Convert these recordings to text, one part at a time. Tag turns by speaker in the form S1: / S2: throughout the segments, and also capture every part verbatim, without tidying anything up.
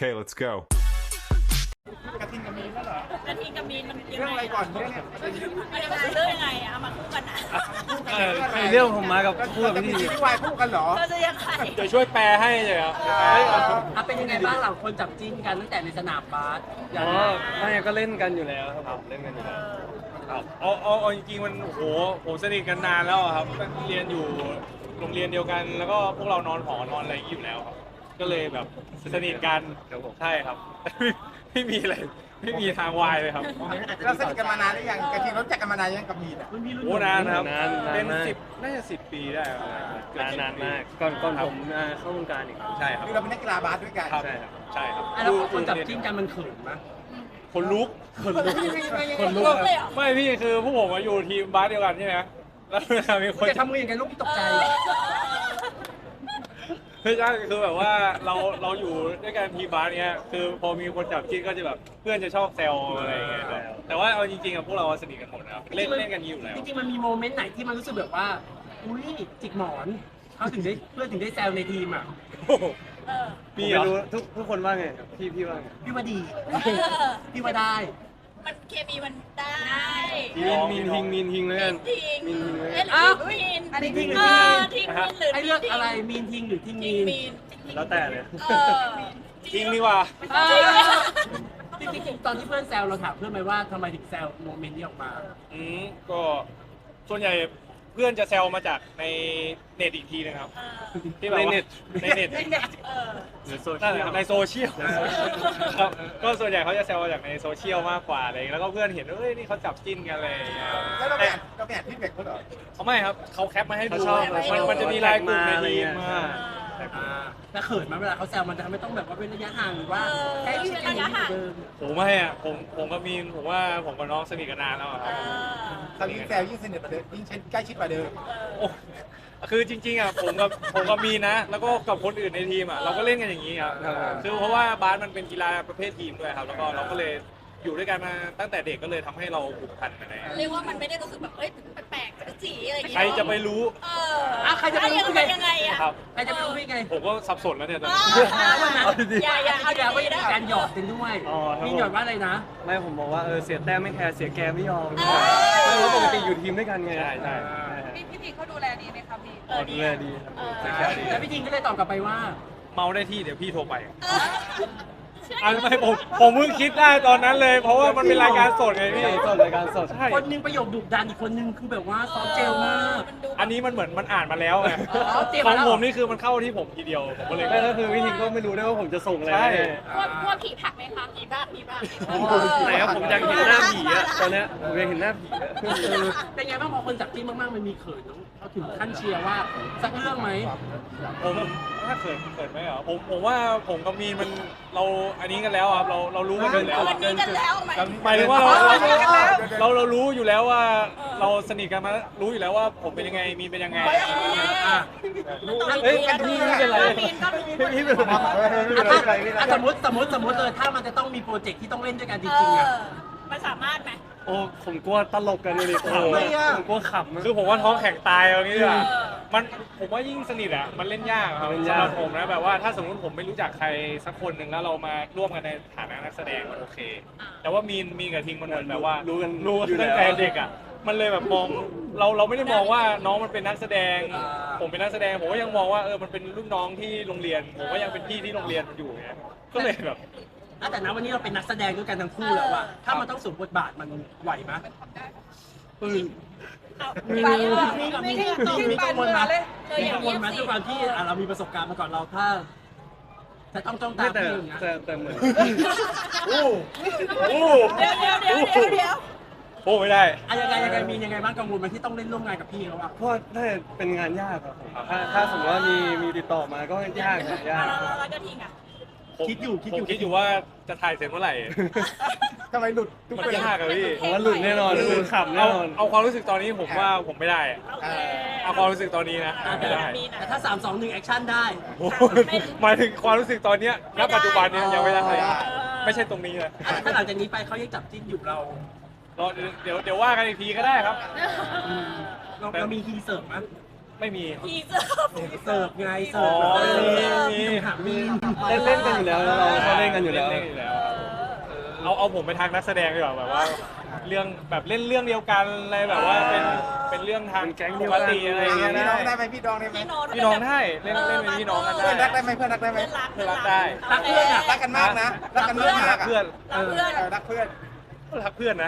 S1: Okay, let's go.
S2: กระทิงกับมีนแล้วเหรอก
S3: ระทิงกับมีนมันยัง
S2: เรื่อง
S3: ไง
S2: อะไรก่อนเนี่ยเนี่ย
S3: อันนี้มันคือเรื่องยังไงอะเอามาคู่กันนะ
S4: เออในเรื่องผมมากับคู่กับ
S2: จะมี
S4: พี่
S2: ซีรีส์วายคู่กันเหรอ
S3: เธอจะยังไง
S4: เดี๋ยวช่วยแปลให้เลยครับ
S5: อ่ะเป็นยังไงบ้างหลังคนจับจิ้นกันตั้งแต่ในสนามบาสอ
S4: อ๋
S5: ย่าง
S4: อไม่ก็เล่นกันอยู่แล้วครับผมเล่นกันอยู่แล้วครับเอาเอาเอาจริงๆมันโอ้โหผมสนิทกันนานแล้วอะครับเรียนอยู่โรงเรียนเดียวกัน แล้วก็พวกเรานอนหอนอนอะไรอย่างนี้อยู่แล้วครับก็เลยแบบสนิทกันใช่ครับ ไม่มีอะไรไม่มีทางวายเลยครับ
S2: เราสนิทกันมานานหรือยังกระทิงรู้จักกันมานานยังกับมีนอ่ะ
S5: รุ่นพี่รุ่น
S4: โอ้
S5: น้อง
S4: นานครับ
S6: นานนาน
S4: เป็น
S6: มาก
S4: สิบน่าจะสิบปีได้ครับเกือบ
S6: นาน
S4: สิบ
S6: นาน
S4: ปี
S6: มากก่อนก่อนผมอ่าเข้าวงการอีก
S4: ใช่ครับ
S2: คือเราเป็นนักกีฬาบาสด้วยกัน
S4: ครับ
S6: ใช่ครับ
S4: ใช่ครับ
S5: อ่ะแล้วพอคนจับจิ้นกันมันเขินไหม
S4: คนลุก
S5: คนลุก
S4: คนลุกเลยไม่พี่คือพวกผมมาอยู่ทีมบาสเดียวกันใช่ไหมแล้วเวลามีคน
S5: จะทำมืออย่างไรลูกที่ตกใจ
S4: ไม่ใช่คือแบบว่าเราเราอยู่ด้วยกันทีมบาสเนี้ยคือพอมีคนจับจิ้นก็จะแบบเพื่อนจะชอบแซวอะไรอย่างเงี้ยครับแต่ว่าเอาจริงๆอะพวกเราสนิทกันหมดนะครับเล่นเล่นกันอยู่แล้ว
S5: จริงๆมันมีโมเมนต์ไหนที่มันรู้สึกแบบว่า อุ้ยจิกหมอนเขาถึงได้เพื่อนถึงได้แซวในทีมอ่ะ
S3: เออ
S4: มี
S6: ผม
S4: เหรอ
S6: ไม่รู้ทุกทุกคนว่าไงครับพี่พี่ว่าไง
S5: พี่ว่าดี
S3: เออ
S5: พี่ว่าได้
S3: มันเคมีมันได้
S6: มีนมีนทิงมีนทิงเลยกัน
S3: ทิ้ง
S6: มีนทิงเลย
S3: เอ๊ะหรือ
S5: อ้าว
S3: มีน
S5: อันนี้ทิ้งหรือ
S3: เอ
S5: ทิ้ง
S3: อทิ้งมีนหรือ
S5: ไอเลือกอะไรมีนทิงหรือทิง
S3: ทิ้
S5: มี
S3: ง
S5: น
S3: มีน
S6: แล้วแต่เลย
S3: เออ
S4: จริงดีกว่า
S5: เออจริงๆตอนที่เพื่อนแซวเราถามเพื่อนไหมว่าทำไมถึงแซวโมเมนต์นี้ออกมา
S4: อืมก็ส่วนใหญ่เพื่อนจะแซวมาจากในเน็ตอีกทีนึงครับ
S3: เออ
S4: ที่แบบว่าในเน็ต
S3: เออ
S6: หรือโซเชี
S4: นั่น
S6: ย
S4: แหละ
S6: ล
S4: ครับในโซเชียลครับก็ส่วนใหญ่เขาจะแซวมาจากในโซเชียลมากกว่าอะไรอย่างเงี้ยแล้วก็เพื่อนเห็นว่าเอ้ยนี่เขาจับจิ้นกันอะไรอย่างเงี้ยครับ
S2: แล้วเราไปอ่านเราไปอ่านที่เด็กเขาเหรอ
S4: เขาไม่ครับเขาแคปมาให้ดู
S6: เขาชอบ
S4: มันมันจะมีไลน์กลุ่มในทีมมา
S5: อ่าแล้วเขินไหมเวลาเขาแซวมันจะทำให้ต้องแบบว่าเป็นระยะห่างหรือว่าแค่ชิดกันอย่างนี้เหมือนเดิม
S4: ผมไม่อะผมผมกับมีนผมว่าผมกับน้องสนิทกันนานแล้วอะค
S3: เอ
S4: รับ
S3: อ
S2: เขายิ่งแซวยิ่งสนิทกว่าเดิมยิ่งใกล้ชิดกว่าเดิม
S4: โอ้คือจริงๆอะผมกับผมกับมีนนะ แล้วก็กับคนอื่นในทีมอะเราก็เล่นกันอย่างนี้ครับคือเพราะว่าบาสมันเป็นกีฬาประเภททีมด้วยครับแล้วก็เราก็เลยอยู่ด้วยกันมาตั้งแต่เด็กก็เลยทำให้เราผูกพันกันเลย
S3: เรียกว่ามันไม่ได้รู้สึกแบบเอ้ยแปลกๆสีอะไรอย่าง
S4: ใคร
S3: เงี้ย
S4: จะไปรู้
S3: เออ
S5: อ่ะใครจะไปรู้
S3: เป็นยังไงอะ
S4: ครับ
S5: ใครจะไปรู้ได้ไง
S4: ผมก็สับสนแล้วเนี่ยตอน
S3: เอ
S4: นี้
S3: ออย่าอย่าเอา
S5: เอา
S3: ดี
S5: เดี๋ยวว่า
S3: ๆนะ
S5: การหยอดกันด้วย
S6: อ๋อครับ
S5: มีหยอดว่าอะไรนะ
S6: ไม่ผมบอกว่าเออเสียแต้มไม่แคร์เสียแกมไม่ยอม
S3: เออ
S6: ไม่เพราะปกติอยู่ทีมด้วยกันไง
S4: ใช่ใช่
S7: พี่พี่พีเขาดูแลดีไหมคะพี่
S3: เออ
S6: ดู
S3: ดี
S6: แล
S3: อะ
S6: ดีครับ
S3: เออ
S6: เสียแกมดี
S5: แล้วพี่ทิงก็เลยตอบกลับไปว่า
S4: เมาได้ที่เดี๋ยวพี่โทรไป
S3: เออ
S4: อันไม่ผมผมเพิ่งคิดได้ตอนนั้นเลย เพราะว่ามันเป็นรายการสดไงพี่
S6: รายการสดรายการสด
S4: ใช่
S5: คนหนึงประโยคดุดันอีกคนหนึงคือแบบว่าซอฟต์เจลมาก
S3: มันดู
S4: อันนี้มันเหมือนมันอ่านมาแล้วไง
S5: อ๋อเตรียม
S4: ขอ
S5: มาง แล้ว
S4: ผมนี่คือมันเข้าที่ผมทีเดียวผมก็เลย
S6: ไม่แล้วคือพี่ทิงก็ไม่รู้ด้วยว่าผมจะส่งอะไร
S4: ใช่
S6: ให้
S3: พวกพวกผีผักไหมคะผีบ้าผีบ้า
S6: ไหนครับผมอยากเห็นหน้าผีอะตอนเนี้ยผมอยากเห็นหน้าผีอะ
S5: เป็นไงบ้างพอคนจับจิ้นมากๆมันมีเขินเนอะเขาถึงขั้นเชียร์ว่าสักเรื่องไหม
S4: ผมถ้าเกิดเกิดไหมเหรอผมผมว่าผมกับมีนมันเราอันนี้กันแล้วครับเราเรารู้กันอยู่แล้ว
S3: วันนี้กันแล้วไหม
S4: หมายถึงว่าเราเราเราเรารู้อยู่แล้วว่าเราสนิทกันมารู้อยู่แล้วว่าผมเป็นยังไงมีนเป็นยังไง
S5: อ่ะ
S4: เอ้ยพี่ไม่เป็นไร
S3: มีนก็มี
S4: พี่เป็นไร
S5: อ่ะถ้าอ่ะสมมติสมมติสมมติเลยถ้ามันจะต้องมีโปรเจกต์ที่ต้องเล่นด้วยกันจริงๆอ่ะ
S3: มันสามารถไหม
S6: โอ้ผมกลัวตลกกันเลยดิขำ
S5: ทำไม
S6: อะ
S5: อะ
S6: ผมกลัวขำอะ
S4: คือผมว่าท้องแข็งตายเอางี้ดีกว่า
S3: เออ
S4: มันผมว่ายิ่งสนิทอ่ะมันเล่นยากครับ
S6: เล่น
S4: สำ
S6: ยาก
S4: หรับผมนะแบบว่าถ้าสมมติผมไม่รู้จักใครสักคนหนึ่งแล้วเรามาร่วมกันในฐานะนักแสดงมันโอเค แต่ว่ามีนมีนกับทิงมันเหมือนแบบว่า
S6: รู้กัน
S4: รู้
S6: อยู่
S4: ตั้ง
S6: ล้ว
S4: แต่เด็กอ่ะมันเลยแบบมองเราเราไม่ได้มองว่าน้องมันเป็นนักแสดง ผมเป็นนักแสดงผมก็ยังมองว่าเออมันเป็นรุ่นน้องที่โรงเรียน ผมก็ยังเป็นพี่ที่โรงเรียนอยู่ไงก็เลยแบบ
S5: อ่ะแต่นะวันนี้เราเป็นนักแสดงด้วยกันทั้งคู่แล้วอะถ้ามันต้องสวมบทบาทมันไหวไหม
S6: อืม
S5: มี
S3: ไป
S5: มี
S3: เออ
S5: มี
S3: ไม่
S5: มี
S3: ได้
S5: มีมีกังวลไหม
S3: เธอ
S5: มี
S3: อย่า
S5: กังว
S3: เงีย
S5: ล
S3: บ
S5: ไหม
S3: สิ
S5: ด้วยความที่อ่ะเรามีประสบการณ์มาก่อนเราถ้าจะต้องจ้องตา
S6: ไม่แต่
S5: พี่อย่างเงี้ย
S6: แต่แต่เหมือน
S4: โอ้โอ้
S3: เดี๋ยวเดี๋ยวเดี๋ยวเดี๋ยวเดี๋ยว
S4: โอ้ไม่ได้
S5: อะยังไงยังไงมียังไงบ้างกังวลไหมที่ต้องเล่นร่วมงานกับพี่เขาอะ
S6: เพราะน่าจะเป็นงานยากครับผมถ้าถ้าสมมติว่ามีมีติดต่อมาก็ยากครับยาก
S3: แล้วแล้วก็ทิ้งอ่ะ
S4: ผม
S5: คิดอยู่คิด
S4: ผ
S5: อ
S4: ม
S5: ยู่
S4: คิดอยู่ว่าจะถ่ายเสร็จเมื่อไหร่
S2: ทำไมหลุดทุก
S4: มัน
S2: คน
S4: ยากอะพี่
S6: ผมว่าหลุดแน่นอนคือขำแน่
S4: เอา
S6: นอน
S4: เอาความรู้สึกตอนนี้ผมว่าผมไม่ได้อะ
S3: โอเค
S4: เอาความรู้สึกตอนนี้นะ
S5: อ่ะ
S4: ไม่
S5: แต่
S4: ได้
S3: มีนะ
S5: แต่ถ้าสามสองหนึ่งแอคชั่นได้
S4: โอ้โหหมายถึงความรู้สึกตอนเนี้ยณปัจจุบันเนี้ยยังไม่ได้ไม่ใช่ตรงนี้เลย
S5: อ่ะถ้าหลังจากนี้ไปเขายังจับจิ้นอยู่เรา
S4: รอเดี๋ยวเดี๋ยวว่ากันอีกทีก็ได้ครับ
S5: อืมเราเรามีฮีเสิร์ฟไหม
S4: ไม่มี
S3: ทีเซอร์
S5: เสิร์ฟไงเสิ
S4: อ๋
S5: ร์
S4: อ
S5: ฟแบบ
S4: มี
S5: เออ
S4: มี
S5: หามีน
S6: เล่นเล่นกันอยู่แล้วแล้วเราเขาเล่นกันอยู่แล้ว
S4: เล่นอยู่แล้วครับเอาเอาผมไปทางนักแสดงดีกว่าแบบว่าเรื่องแบบเล่นเรื่องเดียวกันอะไรแบบว่าเป็นเป็นเรื่องทาง
S6: เป็นแก๊งเดี
S4: ป
S6: ยว
S4: ก
S6: กัน
S4: ติอะไรอย่างเงี้ย
S2: พี่น้องได้
S4: ได้
S2: ไหมพี่น้องได้ไหม
S3: พี่น้อง
S4: พี่น้องได้เล่นเล่นเป็นพี่น้องกันได้
S2: เพื่อนรักได้ไหมเพื่อนรักได้ไหม
S3: เพื่อนรัก
S4: เพื่อนรักได้
S5: รักเพื่อนอะ
S2: รักกันมากนะรักกันมากมาก
S4: เพื่อน
S3: รักเพื่อน
S2: เออรักเพื่อน
S4: รักเพื่อนนะ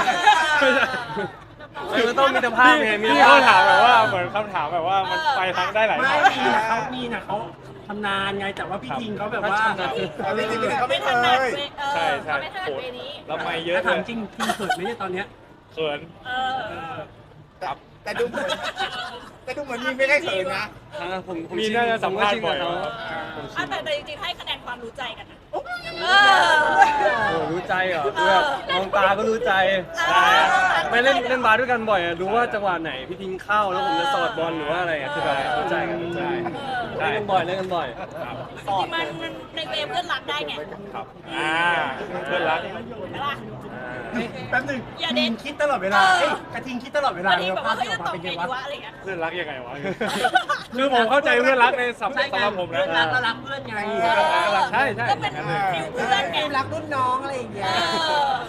S6: เออมันต้องมีมิตรภาพไงมี
S4: พี่
S6: มิตร
S4: เขา
S6: ภาพ
S4: ถามแบบว่าเหมือนคำถามแบบว่ามันไปทางได้หลาย
S5: ไม่
S4: ทาง
S5: มีนะเขามีนะเขาทำนานไงแต่ว่าพี่ทิงเขาแบบว่า
S2: เอาจริงๆเขาไม่เค
S3: ถนัด
S2: ย
S3: เวเออ
S4: ใช่ใช่
S3: เขาไม่ถนัด
S4: โห
S3: เวนี้
S4: แล้วไม่เยอะ
S5: ถ้า
S4: เล
S5: ถาม
S4: ย
S5: จริงทิงเขินไหมเนี่ยตอนเนี้ย
S4: เขิน
S3: เออ
S4: ครับ
S2: แต่ดูเหมือนแต่ดูเหมือนมีไม่ได้เขินนะ
S6: อ่าผมผม
S4: มี
S6: ชิน
S4: น่าจะสัมภาษณ์
S6: ผ
S4: บ่อย
S6: ก็ชินกับเขา
S4: ครับ
S6: ผมชิ
S3: อ่ะ
S6: น
S3: แต่แต่จริงๆให้คะแนนความรู้ใจกันนะเอ
S6: โอ้
S3: อ
S6: รู้ใจเหรอคือแบบมองตาก็รู้ใจ
S3: เออ
S6: ไม่เล่นเล่นบาสด้วยกันบ่อยอะรู้ว่าจังหวะไหนพี่ทิงเข้าแล้วผมจะสอดบอลหรือว่าอะไรอะคือแบบรู้ใจกันรู้ใจ
S4: ใช่
S6: เล่นกันบ่อยเล่นกันบ่อย
S4: ครับ
S3: จริงๆมันมันในเวเพื่อนรักได้ไง
S4: ครับอ่าเพื่อนรัก
S3: ใช่ปะ
S5: แป๊บหนึง
S3: อย่าเด็
S5: ทิ
S3: ด
S5: งคิดตลอดเวลา
S3: เออ
S5: เอ้ยกระทิงคิดตลอดเวลา
S3: บางที
S5: เลย
S3: แบบ
S5: ว่าภา
S3: ว่า
S5: พ
S3: เขา
S5: ที่อ
S3: จะ
S5: อก
S3: ต
S5: มา
S3: อบ
S5: เป็น
S3: ไง
S5: ไงวะ
S3: ดีวะอะไรเงี้ย
S4: เพื่อนรักยังไงวะ คือผมเข้าใจเพื่อนรักในสับ
S5: ใช่
S4: สำหรับผมนะ
S5: เพื่อนรักก็รักเพื่อนไง
S3: เออ
S4: ใช่ใช่
S3: ก็เป็นฟิลเพื่อนไง
S5: รักรุ่นน้องอะไรอย่างเงี้ย
S3: เออ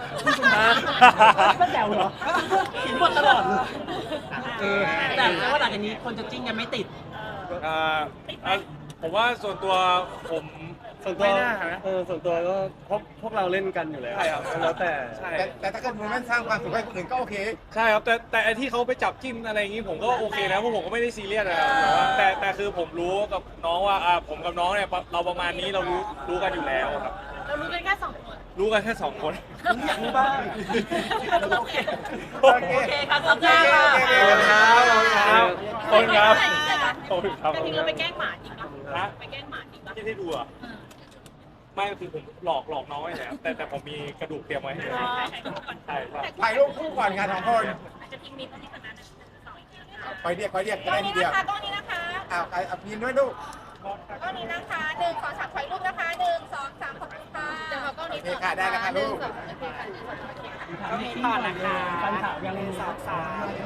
S5: ก็แซวเหรอเห็นหมดตลอดเลยเออแต่แต่ว่าหลังจากนี้คนจะจิ้นกันไม่ติด
S4: อ่าอ่ะผมว่าส่วนตัวผม
S6: ส่วนตัว
S4: ไม่น่านะ
S6: เออส่วนตัวก็พวกพวกเราเล่นกันอยู่แล้ว
S4: ใช่ครับ
S6: แล้วแต่
S4: ใช่
S2: แต่แต่ถ้าเกิดมันสร้างความสุขให้คนอื่นก็โอเค
S4: ใช่ครับแต่แต่ไอที่เขาไปจับจิ้นอะไรอย่างงี้ผมก็โอเคนะเพราะผมก็ไม่ได้ซีเรียสนะครับแต่ว่าแต่แต่คือผมรู้กับน้องว่าอ่าผมกับน้องเนี่ยเราประมาณนี้เรารู้รู้กันอยู่แล้วครับ
S3: เรารู้กันแค่สองคน
S4: รู้กันแค่สองคน
S5: อยากรู้บ้าง
S3: โอเค
S2: โอเค
S3: โอเคครับขอบคุณค่ะ
S2: โอเคครับ
S4: ขอบคุณครับขอบคุณครับ
S3: กระทิงเราไปแกล้งหมาจริงปะ
S4: ฮะ
S3: ไปแกล้งหมาจริงปะ
S4: ที่ได้ดูอ่ะไม่คือผมหลอกหลอกน้องไว้แล้วแต่แต่ผมมีกระดูกเตรียมไว้ให้เลยใช่ใช่
S2: ถ่ายรูปคู่ก่อนงานสองคน
S3: จะทิ้งมีตรงนี้ก่อนนะสองอีกทีนะคะ
S2: ไปเรียกไปเรียก
S3: ตร
S2: ได้
S3: ง
S2: ที
S3: นี้
S2: เดียว
S3: นะคะตรงนี้นะคะ
S2: อ้าวเอาพินด้วยลูก
S3: ตรงนี้นะคะหนึ่งสองสามถอยรูปนะคะหนึ่งสองสามขอบคุณค่ะเดี๋ยวเราก็
S2: โอ
S3: นี้
S2: เคค่ะได้แล้วค่ะลูก
S5: ก็มีก่อนนะคะปัญหายังสาวสาว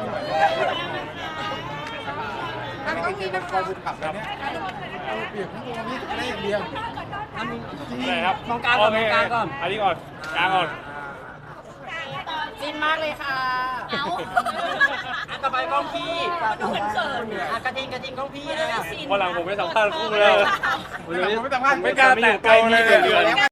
S2: ถ้าไม่กินเป็นคอบุญขับแล้วเนี่ยเอาเปลี่ยนทั้งตัวนี้ได้อย่างเดียว
S4: ไหนครับ
S5: มองกลางก่อน
S4: โเค
S5: มองกลางก่อน
S4: อันนี้ก่อนกลางก่อน
S3: จินมากเลยค่ะเอา
S5: อ่ะต่อไปกล้องพี่
S3: ดูเหมือนเขิน
S5: อ่ะกระทิงกระทิงกล้องพี่
S3: ไม่ได้
S5: อ่ะ
S3: ซีน
S4: วันหลังผมไม่สัมภาษณ์คู่เลย
S2: ผมไม่สัมภาษณ์
S4: ไม่กล้าแตะตัวเลย
S2: เดือนแล้วไง